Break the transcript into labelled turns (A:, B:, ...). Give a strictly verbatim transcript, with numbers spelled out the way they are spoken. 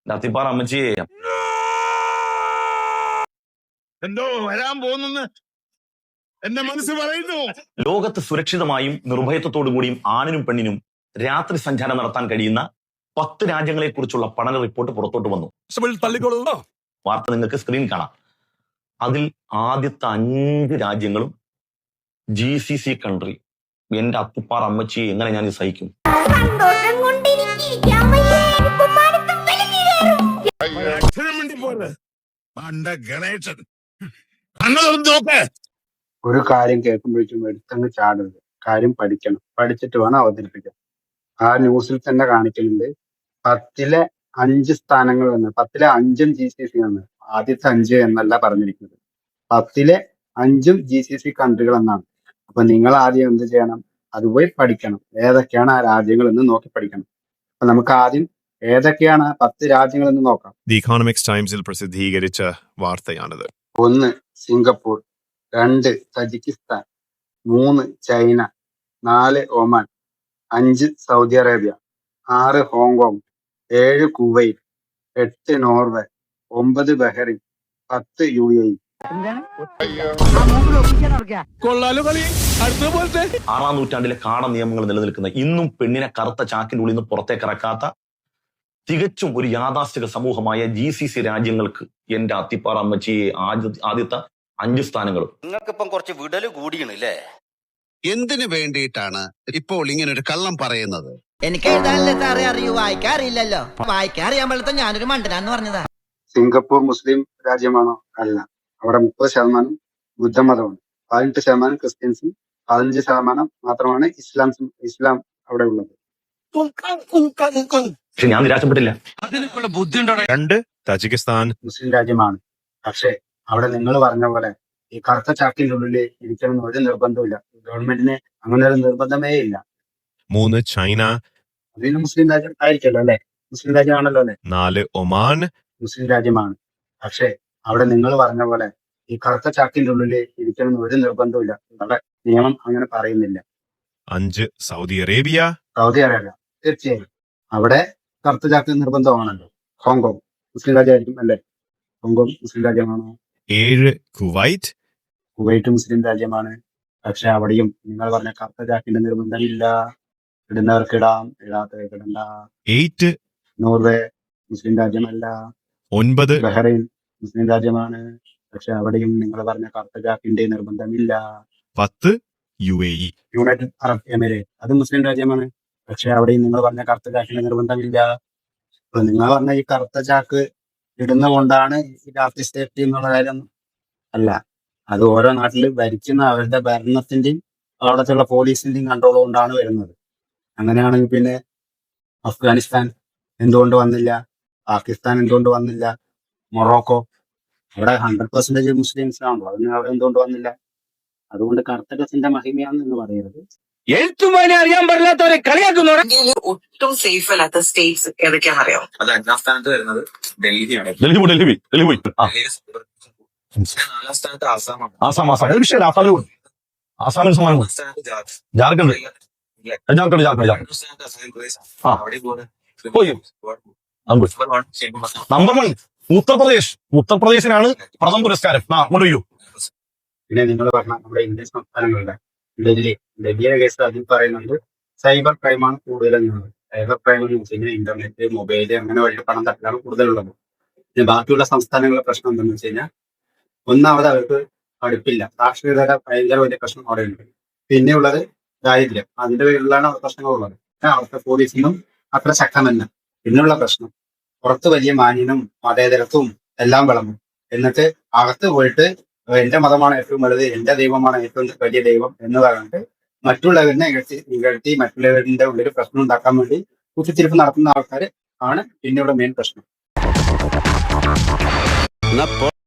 A: നത്തിപ്പാറ അമ്മച്ചിയെ
B: എന്തോ വരാൻ പോകുന്നെന്ന് എന്റെ മനസ്സ് പറയുന്നു.
A: ലോകത്ത് സുരക്ഷിതമായും നിർഭയത്വത്തോടു കൂടിയും ആണിനും പെണ്ണിനും രാത്രി സഞ്ചാരം നടത്താൻ കഴിയുന്ന പത്ത് രാജ്യങ്ങളെ കുറിച്ചുള്ള പഠന റിപ്പോർട്ട് പുറത്തോട്ട് വന്നു. വാർത്ത നിങ്ങൾക്ക് സ്ക്രീൻ കാണാം. അതിൽ ആദ്യത്തെ അഞ്ച് രാജ്യങ്ങളും ജി സി സി കൺട്രി. എന്റെ അത്തിപ്പാറ അമ്മച്ചിയെ എങ്ങനെ ഞാൻ സഹിക്കും?
C: ഒരു കാര്യം കേൾക്കുമ്പോഴേക്കും എടുത്തങ്ങ് ചാടരുത്. കാര്യം പഠിക്കണം, പഠിച്ചിട്ട് വേണം അവതരിപ്പിക്കാൻ. ആ ന്യൂസിൽ തന്നെ കാണിക്കുന്നുണ്ട് പത്തിലെ അഞ്ച് സ്ഥാനങ്ങൾ എന്ന്. പത്തിലെ അഞ്ചും ജി സി സി ആണ്. ആദ്യത്തെ അഞ്ച് എന്നല്ല പറഞ്ഞിരിക്കുന്നത്, പത്തിലെ അഞ്ചും ജി സി സി കൺട്രികൾ എന്നാണ്. അപ്പൊ നിങ്ങൾ ആദ്യം എന്ത് ചെയ്യണം? അതുപോയി പഠിക്കണം. ഏതൊക്കെയാണ് ആ രാജ്യങ്ങൾ എന്ന് നോക്കി പഠിക്കണം. അപ്പൊ നമുക്ക് ആദ്യം ഏതൊക്കെയാണ് ആ പത്ത് രാജ്യങ്ങൾ എന്ന് നോക്കാം.
D: ദി ഇക്കണോമിക്സ് ടൈംസിൽ പ്രസിദ്ധീകരിച്ച വാർത്തയാണിത്.
C: ഒന്ന് സിംഗപ്പൂർ, രണ്ട് തജിക്കിസ്ഥാൻ, മൂന്ന് ചൈന, നാല് ഒമാൻ, അഞ്ച് സൗദി അറേബ്യ, ആറ് ഹോങ്കോങ്, ഏഴ് കുവൈറ്റ്, എട്ട് നോർവേ, ഒമ്പത് ബഹ്റിൻ, പത്ത് യു എ ഇ.
A: ആറാം നൂറ്റാണ്ടിലെ കാട നിയമങ്ങൾ നിലനിൽക്കുന്ന, ഇന്നും പെണ്ണിനെ കറുത്ത ചാക്കിന്റെ ഉള്ളിൽ നിന്ന് പുറത്തേക്ക് ഇറക്കാത്ത തികച്ചും ഒരു യാഥാസ്ഥിക സമൂഹമായ ജി സി സി രാജ്യങ്ങൾക്ക് എന്റെ അത്തിപ്പാറ അമ്മച്ചിയെ ആദ്യത്തെ അഞ്ച് സ്ഥാനങ്ങളും.
E: നിങ്ങൾക്കിപ്പം കുറച്ച് വിടല് കൂടിയണല്ലേ?
F: എന്തിനു വേണ്ടിയിട്ടാണ് ഇപ്പോൾ ഇങ്ങനെ ഒരു കള്ളം പറയുന്നത്?
G: എനിക്ക് എഴുതാനല്ലേ സാറേ അറിയൂ, വായിക്കാറില്ലല്ലോ. വായിക്കാറിയാൻ പോലത്തെ ഞാനൊരു മണ്ടനാന്ന് പറഞ്ഞതാ.
C: സിംഗപ്പൂർ മുസ്ലിം രാജ്യമാണോ? അല്ല. അവിടെ മുപ്പത് ശതമാനം ബുദ്ധമതമാണ്, പതിനെട്ട് ശതമാനം ക്രിസ്ത്യൻസും, പതിനഞ്ച് ശതമാനം മാത്രമാണ് ഇസ്ലാം ഇസ്ലാം അവിടെ ഉള്ളത്.
A: പക്ഷെ ഞാൻ നിരാശപ്പെട്ടില്ല.
D: രണ്ട് തജിക്കിസ്ഥാൻ
C: മുസ്ലിം രാജ്യമാണ്. പക്ഷെ അവിടെ നിങ്ങൾ പറഞ്ഞ പോലെ ഈ കറുത്ത ചാക്കിന്റെ ഉള്ളിൽ ഇരിക്കണം ഒരു നിർബന്ധമില്ല. ഗവൺമെന്റിന് അങ്ങനെ ഒരു നിർബന്ധമേ ഇല്ല.
D: മൂന്ന് ചൈന,
C: അതിന് മുസ്ലിം രാജ്യം ആയിരിക്കല്ലോ അല്ലെ? മുസ്ലിം രാജ്യമാണല്ലോ അല്ലെ?
D: നാല് ഒമാൻ,
C: മുസ്ലിം രാജ്യമാണ്. പക്ഷെ അവിടെ നിങ്ങൾ പറഞ്ഞ പോലെ ഈ കറുത്ത ചാക്കിന്റെ ഉള്ളിൽ ഇരിക്കണം ഒരു നിർബന്ധമില്ല. അവിടെ നിയമം അങ്ങനെ പറയുന്നില്ല.
D: അഞ്ച് സൗദി അറേബ്യ.
C: സൗദി അറേബ്യ തീർച്ചയായും അവിടെ കറുത്ത ചാക്ക് നിർബന്ധമാണല്ലോ. ഹോങ്കോങ് മുസ്ലിം രാജ്യമായിരിക്കും അല്ലെ? ഹോങ്കോങ് മുസ്ലിം രാജ്യമാണോ?
D: ഏഴ് കുവൈറ്റ്.
C: കുവൈറ്റ് മുസ്ലിം രാജ്യമാണ്. പക്ഷെ അവിടെയും നിങ്ങൾ പറഞ്ഞ കറുത്ത ചാക്കിന്റെ നിർബന്ധമില്ല. ഇടുന്നവർക്ക് ഇടാം, ഇടാത്തവർക്ക് ഇടണ്ട.
D: എയ്റ്റ്
C: നോർവേ മുസ്ലിം രാജ്യമല്ല.
D: ഒൻപത്
C: ബഹ്റൈൻ മുസ്ലിം രാജ്യമാണ്. പക്ഷെ അവിടെയും നിങ്ങൾ പറഞ്ഞ കറുത്ത ചാക്കിന്റെ നിർബന്ധമില്ല.
D: പത്ത് U A E.
C: United Arab emirate അത് മുസ്ലിം രാജ്യമാണ്. പക്ഷെ അവിടെയും നിങ്ങൾ പറഞ്ഞ കറുത്ത ചാക്കിന്റെ നിർബന്ധമില്ല. അപ്പൊ നിങ്ങൾ പറഞ്ഞ ഈ കറുത്ത ചാക്ക് ഇടുന്ന കൊണ്ടാണ് ഈ രാത്രി സേഫ്റ്റി എന്നുള്ള കാര്യം അല്ല. അത് ഓരോ നാട്ടിൽ ഭരിക്കുന്ന അവരുടെ ഭരണത്തിന്റെയും അവിടത്തുള്ള പോലീസിന്റെയും കൺട്രോൾ കൊണ്ടാണ് വരുന്നത്. അങ്ങനെയാണെങ്കിൽ പിന്നെ അഫ്ഗാനിസ്ഥാൻ എന്തുകൊണ്ട് വന്നില്ല? പാകിസ്ഥാൻ എന്തുകൊണ്ട് വന്നില്ല? മൊറോക്കോ അവിടെ ഹൺഡ്രഡ് പെർസെന്റേജ് മുസ്ലിംസ് ആണല്ലോ, അതിന് അവിടെ എന്തുകൊണ്ട് വന്നില്ല? അതുകൊണ്ട് കറുത്ത ഡ്രസ്സിന്റെ മഹിമയാന്ന് എന്ന് പറയരുത്.
B: എഴുത്തുമാനെ അറിയാൻ പാടില്ലാത്തവരെ കളിയാക്കുന്നവരെ.
H: ഒട്ടും സേഫ് അല്ലാത്ത സ്റ്റേറ്റ്സ് ഏതൊക്കെയാണെന്ന് അറിയാം?
I: അത് അഞ്ചാം സ്ഥാനത്ത് വരുന്നത് ഡൽഹിയാണ്.
A: ഡൽഹി പോയി ഡൽഹി പോയി ഡൽഹി പോയി
I: നാലാം സ്ഥാനത്ത് ആസാമാണ്.
A: ആസാം ആസാം ഒരു വിഷയം ആസാമിൽ പോയി. ആസാമിന് സമാനം
I: മൂന്നാം സ്ഥാനത്ത് ജാർഖണ്ഡ്.
A: ജാർഖണ്ഡ് ജാർഖണ്ഡ് ജാർഖണ്ഡ് ജാർഖണ്ഡ്
I: രണ്ടാം സ്ഥാനത്ത് അസം പ്രദേശ്.
A: ആ.
I: അവിടെ പോകുന്നത്
A: പോയി. Number one Uttar Pradesh. ഉത്തർപ്രദേശിനാണ് പ്രഥമ പുരസ്കാരം. ആ അങ്ങോട്ട് ചെയ്യൂ.
C: പിന്നെ നിങ്ങൾ പറഞ്ഞ നമ്മുടെ ഇന്ത്യൻ സംസ്ഥാനങ്ങളുടെ ഡൽഹി ഡൽഹിയുടെ കേസ് അതിൽ പറയുന്നത് സൈബർ ക്രൈമാണ് കൂടുതലെന്നുള്ളത്. സൈബർ ക്രൈം എന്ന് വെച്ച് കഴിഞ്ഞാൽ ഇന്റർനെറ്റ്, മൊബൈല് അങ്ങനെ വഴി പണം തട്ടാണ് കൂടുതലുള്ളത്. പിന്നെ ബാക്കിയുള്ള സംസ്ഥാനങ്ങളുടെ പ്രശ്നം എന്താണെന്ന് വെച്ച് കഴിഞ്ഞാൽ ഒന്നാമത് അവർക്ക് പഠിപ്പില്ല, സാക്ഷരതയുടെ ഭയങ്കര വലിയ പ്രശ്നം അവിടെ ഉണ്ട്. പിന്നെയുള്ളത് ദാരിദ്ര്യം, അതിന്റെ പേരിലാണ് അവർ പ്രശ്നങ്ങളുള്ളത്. അവിടുത്തെ പോലീസിനും അത്ര ശക്തമല്ല. പിന്നെയുള്ള പ്രശ്നം പുറത്ത് വലിയ മാന്യനും മതേതരത്വവും എല്ലാം വിളമ്പും. എന്നിട്ട് അകത്ത് പോയിട്ട് എന്റെ മതമാണ് ഏറ്റവും വലുത്, എന്റെ ദൈവമാണ് ഏറ്റവും വലിയ ദൈവം എന്ന് പറഞ്ഞിട്ട് മറ്റുള്ളവരിനെ ഇകഴ്ത്തി ഇകഴ്ത്തി മറ്റുള്ളവരുടെ ഉള്ളിൽ പ്രശ്നം ഉണ്ടാക്കാൻ വേണ്ടി കുത്തിത്തിരിപ്പ് നടത്തുന്ന ആൾക്കാർ ആണ് പിന്നെയുള്ള മെയിൻ പ്രശ്നം.